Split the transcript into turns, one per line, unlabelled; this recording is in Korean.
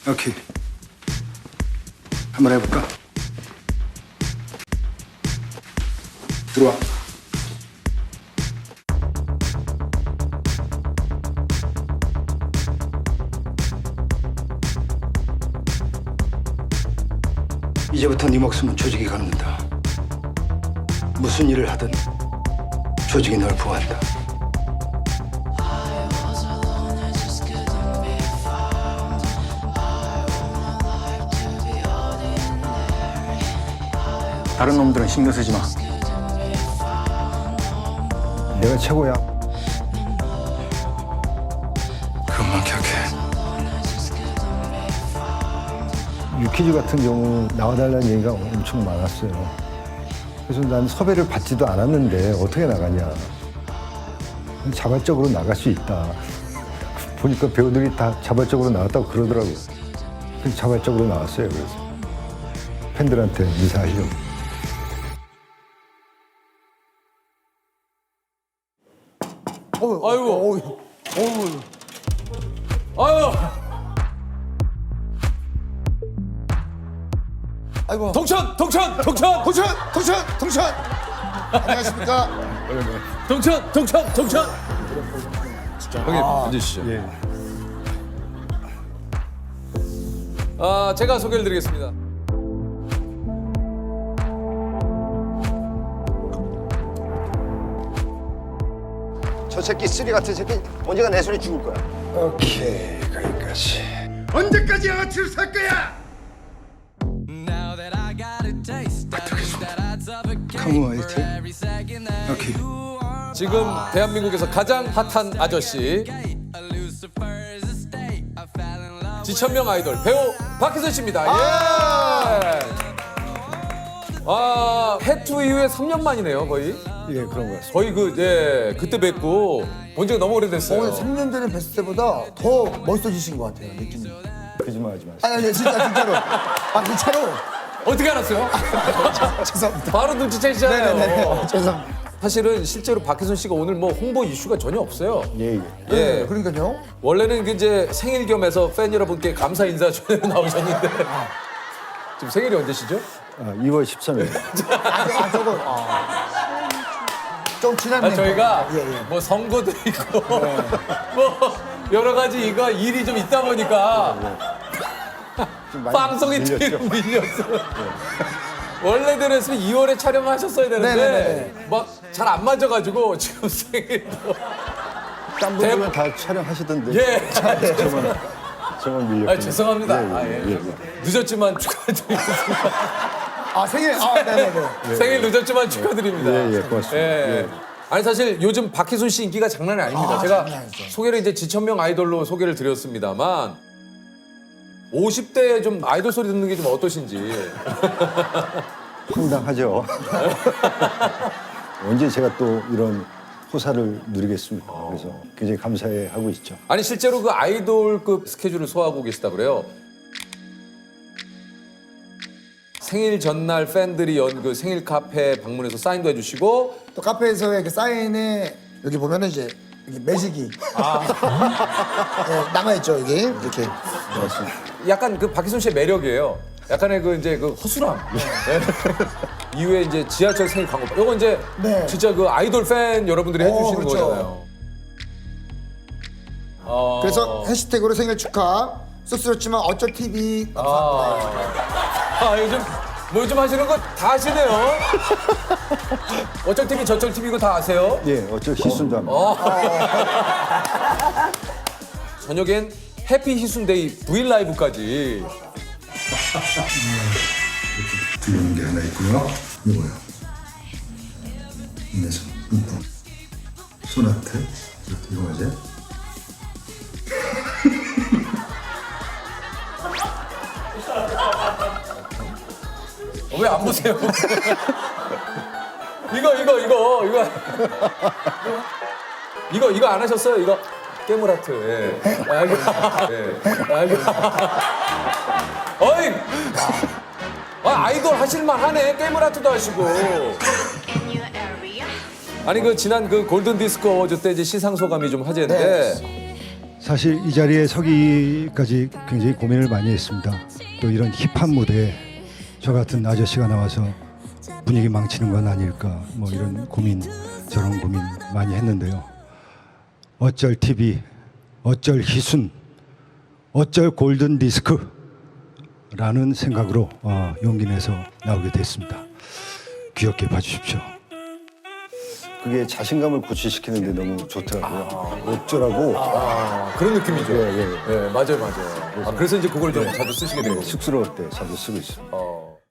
오케이. 한번 해볼까? 들어와. 이제부터 네 목숨은 조직이 갖는다. 무슨 일을 하든 조직이 널 보호한다. 다른 놈들은 신경 쓰지 마. 내가 최고야. 그것만 기억해. 유퀴즈 같은 경우 나와달라는 얘기가 엄청 많았어요. 그래서 난 섭외를 받지도 않았는데 어떻게 나가냐. 자발적으로 나갈 수 있다. 보니까 배우들이 다 자발적으로 나왔다고 그러더라고요. 그래서 자발적으로 나왔어요. 그래서 팬들한테 인사하려고.
아이고. 아유.
아이고.
동천.
안녕하십니까?
동천. 형님 앉으시죠.
예.
제가 소개를 드리겠습니다.
저 새끼 쓰리 같은 새끼 언제가 내 손에 죽을 거야.
오케이, 거기까지.
언제까지 양아치를 살 거야?
카무 화이트. 오케이.
지금 대한민국에서 가장 핫한 아저씨 지천명 아이돌 배우 박혜선 씨입니다. 예. 해투 이후에 3년 만이네요, 거의.
예, 그런 거 같습니다.
거의 그때 뵙고 본 지가 너무 오래됐어요.
오늘 3년 전에 뵀을 때보다 더 멋있어지신 것 같아요, 느낌이.
거짓말 하지 마세요.
아니, 진짜로. 진짜로.
어떻게 알았어요?
죄송합니다.
바로 눈치채시잖아요.
네네네. 죄송합니다.
사실은 실제로 박혜선 씨가 오늘 뭐 홍보 이슈가 전혀 없어요.
예.
예.
그러니까요.
원래는 그 이제 생일 겸해서 팬 여러분께 감사 인사 전에 나오셨는데 지금 생일이 언제시죠?
2월 13일.
저거. 좀 지났네요.
저희가
예.
뭐 선거도 있고 뭐 여러 가지 이거 일이 좀 있다 보니까 방송이 밀렸어요. 원래대로 했으면 2월에 촬영하셨어야 되는데
네네네.
막 잘 안 맞아가지고 지금 생일도
딴 분들은 다 촬영하시던데.
예.
저만 밀렸군요.
죄송합니다.
예.
늦었지만 축하드리겠습니다.
생일. 네네네.
생일 늦었지만 축하드립니다.
예, 고맙습니다.
예. 아니 사실 요즘 박희순 씨 인기가 장난이 아닙니다. 제가
장난이 아니죠.
소개를 이제 지천명 아이돌로 소개를 드렸습니다만 50대에 좀 아이돌 소리 듣는 게 좀 어떠신지.
황당하죠. 언제 제가 또 이런 호사를 누리겠습니까? 그래서 굉장히 감사해하고 있죠.
아니 실제로 그 아이돌급 스케줄을 소화하고 계시다 그래요. 생일 전날 팬들이 연 그 생일 카페 방문해서 사인도 해주시고
또 카페에서의 그 사인에 여기 보면은 이제 이렇게 매직이 예, 남아있죠, 여기. 이렇게.
약간 그 박희순 씨의 매력이에요. 약간의 그 이제 그 허술함. 네. 이후에 이제 지하철 생일 광고. 이거 이제
네.
진짜 그 아이돌 팬 여러분들이 해주시는
그렇죠.
거잖아요.
그래서 해시태그로 생일 축하. 쑥스럽지만 어쩔 TV 감사합니다.
요즘 뭐 요즘 하시는 거 다 하시네요. 어쩔 TV 저쩔 TV 이거 다 아세요?
예, 어쩔 희순도 합니다.
저녁엔 해피 희순데이 브이 라이브까지.
들리는 게 하나 있고요. 이거요. 인내서 소나트. 이거 맞아요?
왜 안 보세요? 이거 안 하셨어요? 이거 깨물하트. 예. 어이. 아이돌 하실만 하네. 깨물하트도 하시고. 아니 그 지난 그 골든 디스크 어워즈 때 이제 시상 소감이 좀 화제인데
사실 이 자리에 서기까지 굉장히 고민을 많이 했습니다. 또 이런 힙한 무대에 저 같은 아저씨가 나와서 분위기 망치는 건 아닐까 뭐 이런 고민 저런 고민 많이 했는데요. 어쩔 TV, 어쩔 희순, 어쩔 골든 디스크라는 생각으로 용기 내서 나오게 됐습니다. 귀엽게 봐주십시오.
그게 자신감을 고취시키는데 너무 좋더라고요. 어쩌라고
그런 느낌이죠.
예, 예.
네, 맞아요, 맞아요. 그래서 이제 그걸 좀 자주 쓰시게 된 거고.
쑥스러울 때 자주 쓰고 있습니다.